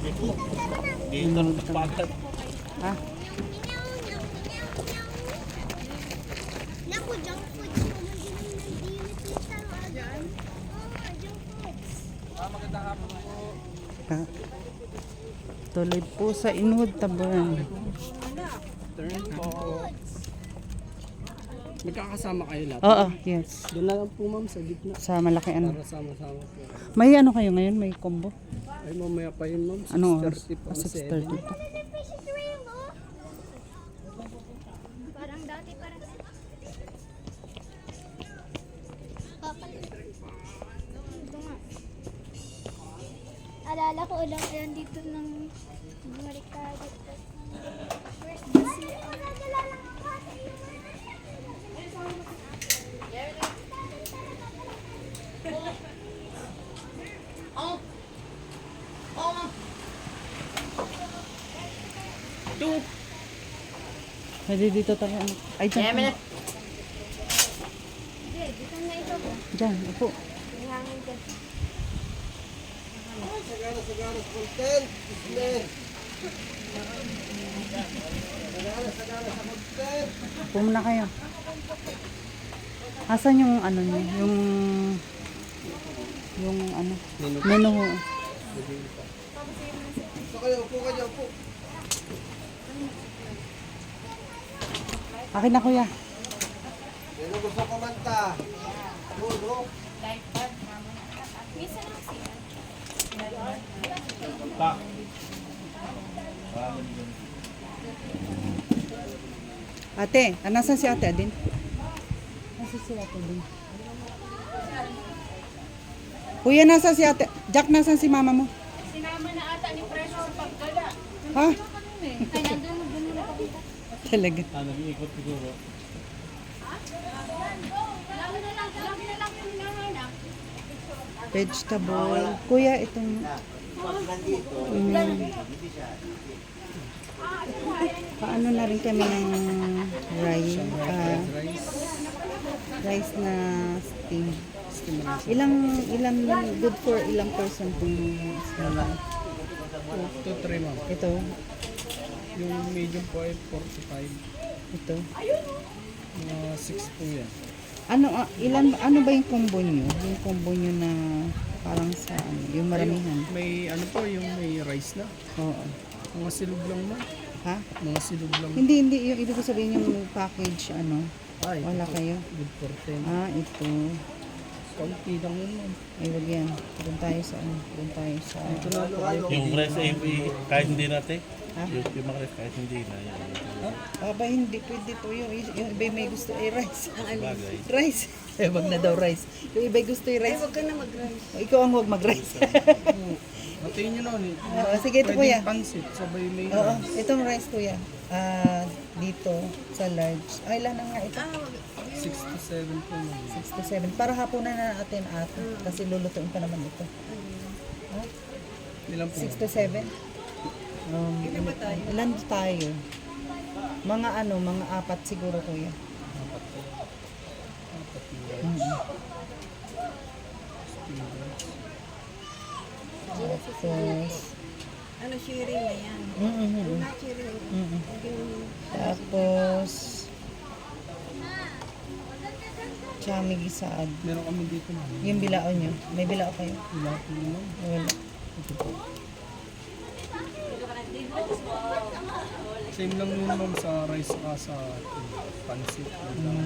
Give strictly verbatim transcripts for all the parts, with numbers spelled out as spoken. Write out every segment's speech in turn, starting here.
Dito sa pagat. Ha? Naku, junk food. Ha? Tuloy po sa Inwood, Taburan. Turn po. Magkakasama kayo lahat? Oo, yes. Doon na lang po ma'am sa gitna. Sa malaki ano. Para sama-sama po. May ano kayo ngayon? May combo? Ay mamaya pa yun ma'am. Ano? six thirty po. Ah, six thirty po. Parang dati, parang... Ito nga. Alala ko ulang yan dito ng Marikado. Where's the C R? Pwede dito tayo. Ano? Ay, dyan. Hindi, dito na ito po. Dyan, upo. May hangin dyan. Sagara, sagara, content. Islen. Sagara, sagara sa content. Upo muna kayo. Asan yung ano niyo? Yung... Yung ano? Menu. Menu. So kayo, upo kayo, upo. Akin na kuya. Sino gusto kumanta? Dulo. Pa. Ate, ah, nasan si ate Adin? Nasaan si ate Adin? Kuya, nasan si ate? Jack, nasan si mama mo? Sinama na ata ni Preso sa paggala. Ha? Ay, nandun, nandun na nakabita. Talaga. Ah, nag-iikot siguro. Lagi na lang, lagi na lang yung hinahanap. Vegetable. Kuya, itong... Mm, paano na rin kami ng rice, ah, rice na steam. Ilang, ilang, good for ilang person itong steam? two to three ma'am. Ito, Yung medium po ay forty-five. ito. Mga six po yan. Ano, ah, ilan, ano ba yung combo nyo? Yung combo nyo na parang sa ano, yung maramihan? May ano po, yung may rice na. Oo. Mga silog lang ma'am. Ha? Mga silog lang. Hindi, hindi. Yung ibig ko sabihin yung package, ano, Ay, wala ito po. kayo. Good for ten. Ah, ito. Kaunti lang yun ma'am. Ay, wag yan. Doon tayo sa ano, doon tayo sa... Ito na po kayo. Yung rice ay kahit hindi natin. Ha? Yung, yung mga rice kahit hindi na. Yan. Aba, hindi pwede to yung, yung iba may gusto ay rice. Bagay. Rice. Eh, wag na daw rice. Yung iba gusto yung rice. Ay, wag ka na mag-rice. Ikaw ang wag mag-rice. Hatiin nyo na ulit. Oo, sige ito kuya. Pwedeng pansit, sabay may Oo, rice. itong rice kuya. Ah, dito sa large. Ay, ilan na nga ito? six to seven po ma'am. six to seven. Para hapunan na natin ate. Kasi lulutuin pa naman ito. Ha? Ilan po? six to seven? Um, ilan ba tayo? Ilan tayo? Mga ano, mga apat siguro kuya. Apat po. Apat po. Mm-hmm. Tapos, Ano, sharing na yan. mm-hmm. Not sharing. Mm-hmm. Yung Tapos, chami gisaad. Meron kami dito ma'am. Yung bilao nyo. May bilao kayo? Wala po ma'am. Wala. Ito po. Same lang yun ma'am sa rice ka sa pansit. Mm.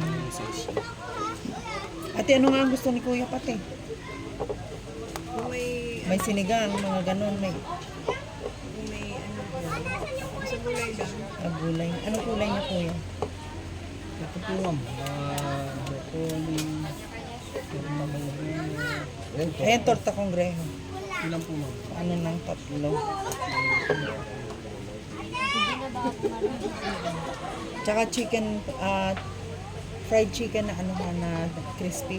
Ate, ano nga ang gusto ni Kuya Pati? Kung may, May sinigang, mga ganun. May kung may ano, sa gulay lang. ah, gulay. Anong kulay niya Kuya? Ito po ma'am. Uh, broccoli. Meron na mga green. Ayan, torta kongreho. Ilan po ma'am? Ano ng tatlo? Tsaka chicken, ah, fried chicken na ano ha, na crispy.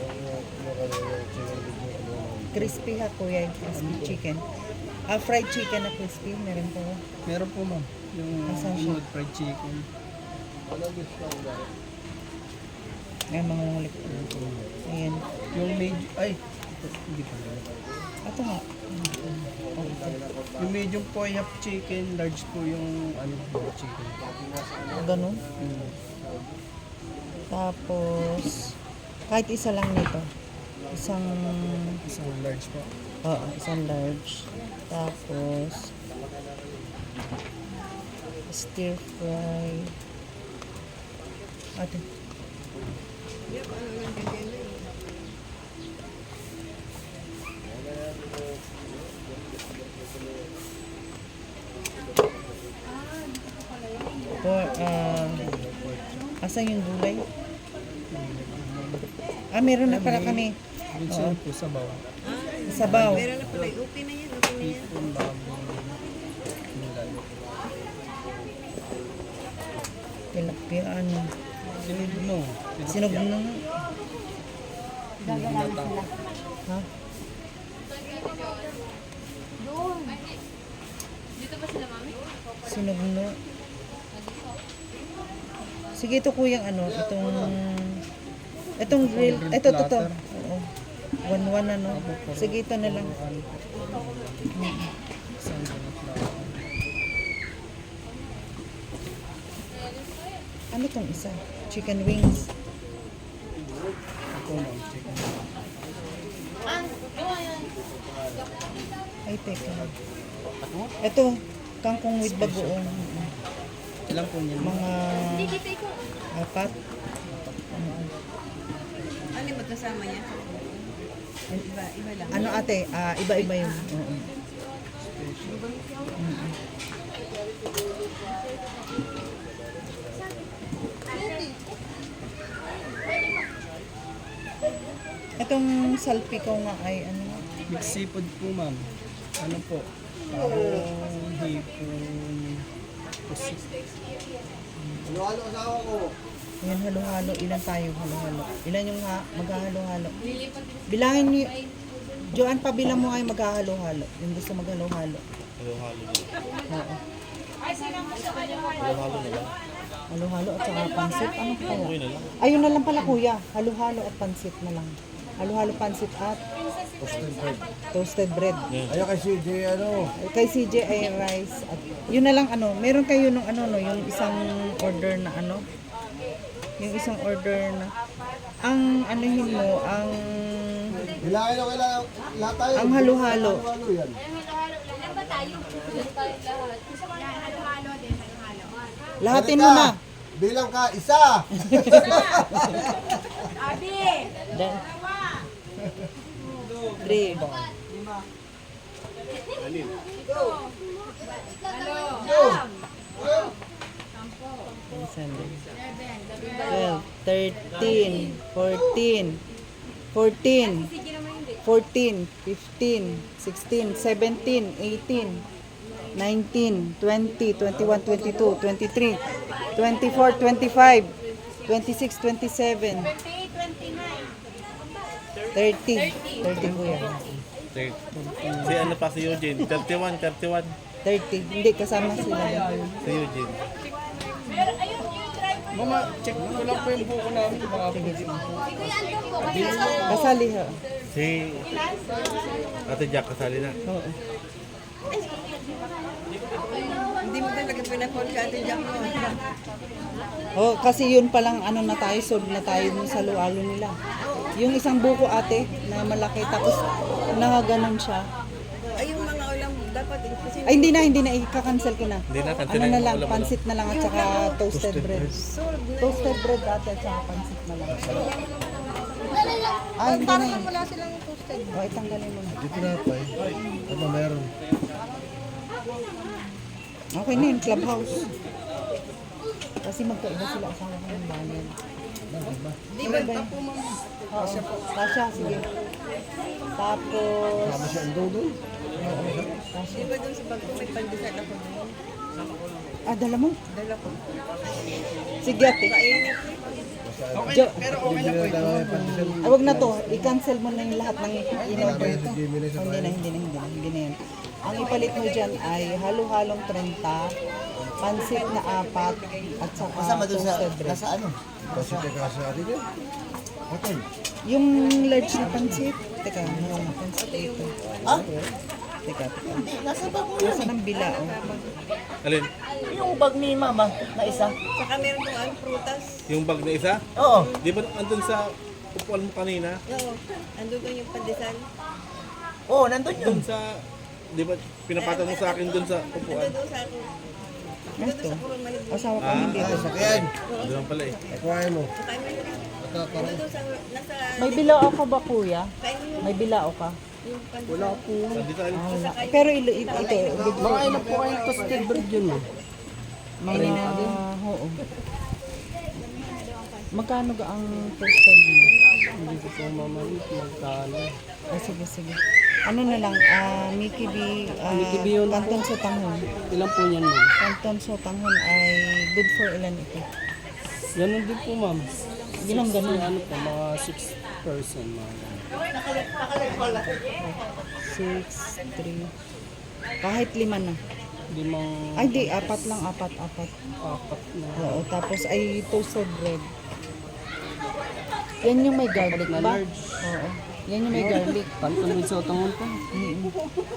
Crispy ha kuya, yung crispy chicken. Ah, fried chicken na crispy, meron po. Meron po ma'am. Yung Asan siya? Inwood fried chicken. Ay, mga ulit. Ayan. Yung medyo, ay, ito, hindi pa. Ito nga. Oh, Yung medium po ay half chicken, large po yung ano, chicken. Ganun. Mm. Tapos, kahit isa lang nito. Isang, Isang large po. oo, isang large. Tapos, stir fry. Ate. For, uh, asan yung gulay? Ah, meron na pala kami. Minsan po sabaw. Sabaw. Meron na pala. Okay na yan. Okay na yan. Hipon bago nilalo. Tilapia, ano. Sinigno. Sinog na. Ha? Doon. Dito ba sila, mami? Sinog na. Sige, ito kuyang ano, itong, itong grill, ito, ito, ito. Oo. One-one ano. Sige, ito na lang. Isang ganit lang. Ano tong isa? Chicken wings. Ako ma'am, chicken. Ay, teka. Ito, kangkong with bagoong. Ilan po niyan? Mga apat. Ano yung magkasama niya? Iba, iba lang. Ano ate? Ah, iba-iba yun. Oo. Itong salpikaw nga ay ano? Mixed seafood po ma'am. Ano po? Parang hipon. Pusit. Yan, halo-halo. Ilan tayo halo-halo? Ilan yung ha maghahalo-halo? Bilangin niyo. Joanne, pabilang mo ay maghahalo-halo. Yung gusto maghalo-halo. Halo-halo din. Oo. Halo-halo na lang. Halo-halo at saka pansit. Ano kaya? Okay na lang. Ayun na lang pala kuya. Halo-halo at pansit na lang. Halo-halo pansit at toasted bread. Ayaw kay C J, ano? Kay C J ay rice at yun na lang ano. Meron kayo nung ano no, yung isang order na ano. Yung isang order na ang anuhin mo, ang Bilangin ako kailangan lahat tayo. ang halo-halo. Halo yan. Ilan ba tayo? Ilan tayo lahat? Gusto ko lang halo-halo din, halo-halo. Lahatin mo na. Bilang ka, isa! Abi! Da- Three. twelve, thirteen, fourteen, fourteen, fourteen, fifteen, sixteen, seventeen, eighteen, nineteen, twenty, twenty-one, twenty-two, twenty-three, twenty-four, twenty-five, twenty-six, twenty-seven, thirty, thirty po yan. Third. Si ano pa si Eugene? thirty-one, thirty-one. thirty, hindi kasama sila. Si Eugene. Mama, check ko lang po yung buko namin. Baka po di po. Kasali ha. Si Ate Jack kasali na. Oo. Hindi mo talaga pinapon ka Ate Jack mo. Oh, kasi yun palang ano na tayo, sold na tayo dun sa lualo nila. Yung isang buko ate na malaki tapos nakaganon siya. Ay, yung mga ulam dapat kasi Ay hindi na, hindi na, i-cancel ko na. Hindi na, cancel Ano na na yung lang, ulam mo pansit na lang at saka toasted bread. sold na. Toasted bread ate at saka pansit na lang. Ah, hindi na yun. Wala silang toasted. O, itanggalin mo na. Dito na pa eh. Ano meron? Okay na yun, clubhouse. Kasi magkaiba sila asawa ko ng bayan. Di ba pa po ma'am? Oo, Tasha, sige. Tapos, Tama siya ang doon. Tasha. Di ba dun sa bagko may pandesal ako doon? Ah, dala mo? Dala ko. Sige ate. Kainit. Okay, Jo- pero okay na po ito. Ah, wag na to. I-cancel mo na yung lahat ng in-order ko. Si Jimmy na sa Hindi na, hindi na, hindi na, hindi na yan. Ang ipalit mo dyan ay halo-halong thirty, pansit na apat, at saka toasted bread. ano? Kasi teka sa atin yun. Hotel. Yung large na pansit, teka, mayroon na pansit ito. Ah? Teka, teka. Nasaan ang bila, oh? Alin? Yung bag ni mama na isa. Saka meron pong ano, prutas. Yung bag na isa? Oo. Di ba andun sa upuan mo kanina? Oo. Ando doon yung pandesal. Oo, nandun yun. Dun sa, di ba pinapatan mo sa akin dun sa Ando upuan? doon sa ako. Ando doon sa kurong manibig. Asawa ko Ah, hindi. Ah, sakyan. Doon pala eh. Kuhain mo. Kain mo yun. Ito, Ando doon sa, nasa, May bilao ka ba, kuya? kain mo May bilao ka? yung pandesal. Wala po. Nandito alin? Ah, wala. Pero ilo, ito, ito, ito, Mga ilan po kayong toasted bread yun eh. may mga, oo. Magkano ga ang toasted mo? Hindi ko po mamalit magkano. Oh, sige, sige. Ano na lang, ah, Mickey B, ah, Mickey B yun po. Canton Sotanghon. Ilan po yan ma'am? Canton Sotanghon ay good for ilan ito? Ganun din po ma'am. Ilang ganun? Ano po, mga six person mga ganun. six, three. Kahit lima na. Limang Ay, di, apat lang, apat, apat. apat na. Oo, tapos ay toasted bread. Yan yung may garlic Na ba? large. Oo. Yan yung may garlic. Kanton with sa utangon po. Mm-mm.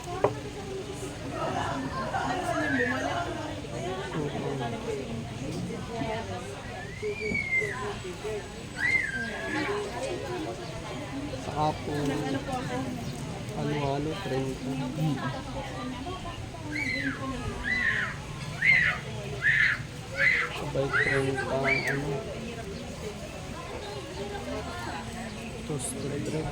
Saka po, halo-halo, trenta. Sabay trenta, ano, toasted bread.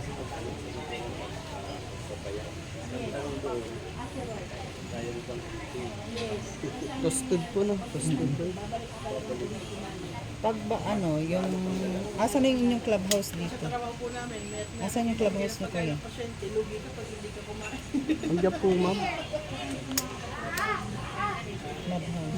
Toasted po na, toasted bread. Pag ba ano, yung... Asan na yung inyong clubhouse dito? Asan yung clubhouse na kuya? Andiyan po ma'am. Clubhouse.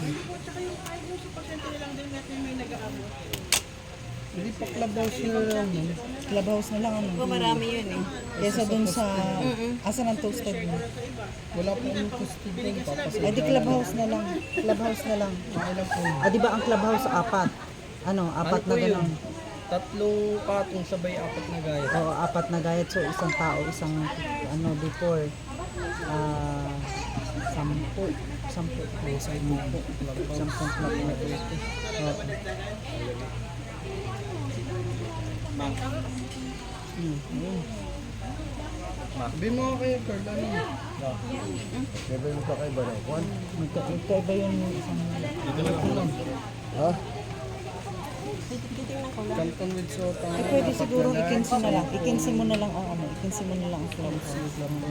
Hindi pa clubhouse na lang ma'am. Clubhouse na lang ano? Marami yun eh. Kesa dun sa... Asan ang toasted mo? Wala po yung toasted bread. Papasok. Ay di clubhouse na lang. Clubhouse na lang. Ah, di ba ang clubhouse apat? Ano, apat na ganun. Tatlong patong sabay apat na gaya. Oo, apat na gayat. So, isang tao, isang, ano, before. Ah, sampu. Sampu. Ang side mo po. Sampung club na dito. Oo. Sabi mo kayo, Carl, ano? Bebe mo pa kay Barang. Juan. Magka- Magkaiba yung isang... Ha? Canton with sotang. Eh, pwede siguro ikinsi na lang. Ikinsi mo na lang ang ano. Ikinsi mo na lang ang clubhouse.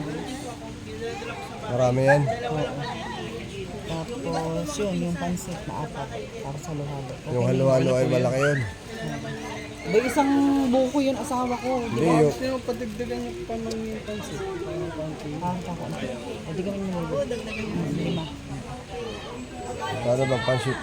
Marami yan. Tapos yun, yung pansit na apat. Para sa luhalo. Okay Yung na yun. halo-halo ay malaki yun. Ba, isang buko yun asawa ko. Di Hindi ba? yung... Gusto nyo padigdagan yung pamangin pansit. Parang konti. Ah, kakaunti. O, di kami nyo. Lima. Paano bang pansit?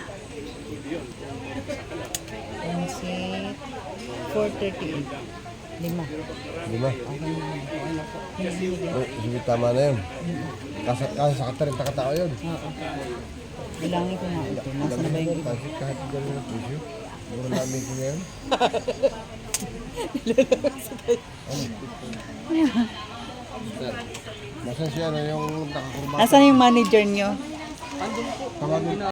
Pansit. four thirty-eight. Lima. Lima. Okay na yun. Oh, sige, tama na yun. Kasat ka, sa katarin takatao yun. Oo. Bilangin ko nga ito. Nasa na ba yung iba? Pansit kahit gano'n ng presyo. Mura namin ko ngayon. Nasaan siya na yung nakakurma? Asan yung manager nyo? Tawagin